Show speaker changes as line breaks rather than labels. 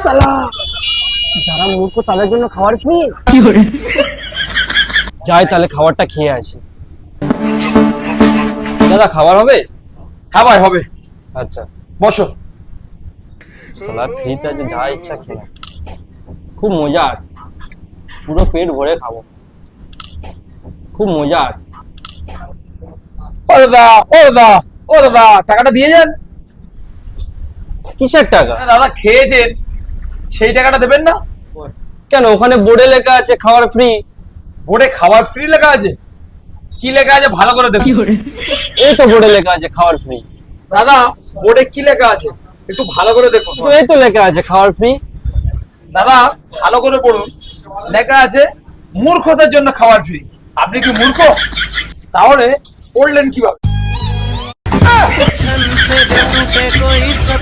সালা, যারা মূর্খ তাদের জন্য খাবার ফ্রি। যাই তাহলে খাবারটা খেয়ে আসি। দাদা খাবার হবে?
হ্যাঁ ভাই হবে,
আচ্ছা।
বসো।
সালা ফ্রিতে আছে, যা ইচ্ছা খেয়ে নাও। খুব মজার, পুরো পেট ভরে খাবো, খুব মজার।
ও দাদা, ও দাদা, ও দাদা, টাকাটা দিয়ে যান।
কিসের টাকা?
দাদা খেয়েছেন, সেই টাকাটা দেবেন না?
কেন, ওখানে বোর্ডে লেখা আছে খাবার ফ্রি।
বোর্ডে খাবার ফ্রি লেখা আছে? কি লেখা আছে ভালো করে দেখুন।
এই তো বোর্ডে লেখা আছে খাবার ফ্রি।
দাদা বোর্ডে কি লেখা আছে একটু ভালো করে দেখুন।
তো এই তো লেখা আছে খাবার ফ্রি।
দাদা ভালো করে পড়ুন, লেখা আছে মূর্খদের জন্য খাবার ফ্রি। আপনি কি মূর্খ? তাহলে পড়লেন কিভাবে?